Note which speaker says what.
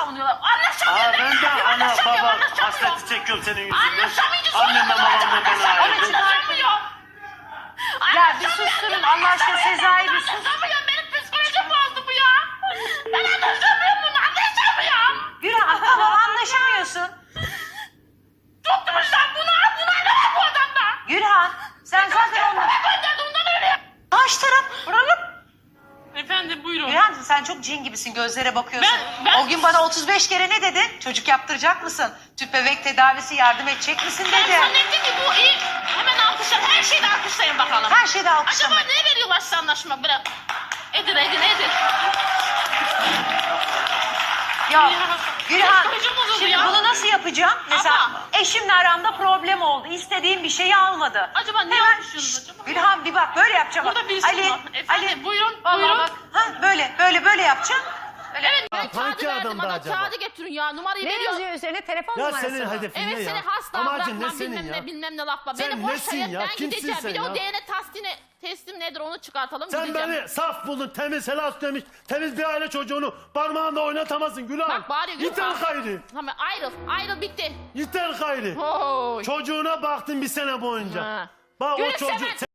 Speaker 1: savunuyorlar. Anlaşamıyor.
Speaker 2: Ben de ana baba hasreti çekiyorum senin yüzünden. Annemle babamla beni ayırdın.
Speaker 3: Ya bir susturun Allah aşkına, Sezai bir sus.
Speaker 1: Anlaşamıyorum. Benim psikolojim bozdu bu ya. Ben anlaşamıyorum bunu. Anlaşamıyorum.
Speaker 3: Gülhan tamam anlaşamıyorsun.
Speaker 1: Tutmuşlar buna. Buna ne var bu adamda?
Speaker 3: Gülhan sen zaten onunla...
Speaker 1: Gönderdi ondan öyle.
Speaker 3: Karşı taraf vuralım.
Speaker 1: Efendim buyurun.
Speaker 3: Gülhan sen çok cin gibisin, gözlere bakıyorsun.
Speaker 1: Ben-
Speaker 3: O gün bana 35 kere ne dedin? Çocuk yaptıracak mısın? Tüp bebek tedavisi yardım edecek misin
Speaker 1: Ben
Speaker 3: dedi.
Speaker 1: zannettim ki bu iyi. Hemen alkışlar. Her şeyde alkışlayın bakalım.
Speaker 3: Her şeyde alkışlama.
Speaker 1: Acaba ne veriyorlar size anlaşma? Böyle edin.
Speaker 3: Ya Gülhan
Speaker 1: Psikolojim bozuldu
Speaker 3: şimdi
Speaker 1: ya.
Speaker 3: bunu nasıl yapacağım? Mesela
Speaker 1: Ama-
Speaker 3: eşimle aramda problem oldu. İstediğim bir şeyi almadı.
Speaker 1: Acaba ne
Speaker 3: Hemen,
Speaker 1: yapmışsınız
Speaker 3: şşt,
Speaker 1: acaba?
Speaker 3: Gülhan bir bak böyle yapacağım.
Speaker 1: Burada
Speaker 3: bak.
Speaker 1: birisi
Speaker 3: Ali,
Speaker 1: var. Efendim,
Speaker 3: Ali.
Speaker 1: buyurun,
Speaker 3: Vallahi
Speaker 1: buyurun.
Speaker 3: bak. Ha, böyle yapacağım.
Speaker 1: Evet ben
Speaker 2: Hangi
Speaker 1: kağıdı verdim
Speaker 2: adamdı
Speaker 1: bana.
Speaker 2: acaba?
Speaker 1: Kağıdı getirin ya. Numarayı
Speaker 4: Ne
Speaker 1: veriyor.
Speaker 4: yazıyor üzerine? Telefon
Speaker 2: Ya
Speaker 4: numarası
Speaker 2: senin
Speaker 4: mı?
Speaker 2: hedefin ne
Speaker 1: Evet
Speaker 2: ya?
Speaker 1: seni hasta
Speaker 2: Amacın ne
Speaker 1: bırakmam
Speaker 2: senin
Speaker 1: bilmem
Speaker 2: ya?
Speaker 1: ne bilmem ne laf var.
Speaker 2: Sen
Speaker 1: Beni boş
Speaker 2: nesin
Speaker 1: ver
Speaker 2: ya?
Speaker 1: ben
Speaker 2: Kimsin
Speaker 1: gideceğim.
Speaker 2: sen
Speaker 1: Bir de o
Speaker 2: ya?
Speaker 1: DNA testim nedir onu çıkartalım
Speaker 2: Sen
Speaker 1: gideceğim.
Speaker 2: beni saf buldun, temiz, helal demiş, temiz bir aile çocuğunu parmağında oynatamazsın Gülhan.
Speaker 1: Bak bari
Speaker 2: Yeter gayrı.
Speaker 1: Tamam ayrıl bitti.
Speaker 2: Yeter gayrı.
Speaker 1: Oy.
Speaker 2: Çocuğuna baktın bir sene boyunca.
Speaker 1: Ha.
Speaker 2: Bak o
Speaker 1: Gülümseme.
Speaker 2: çocuk...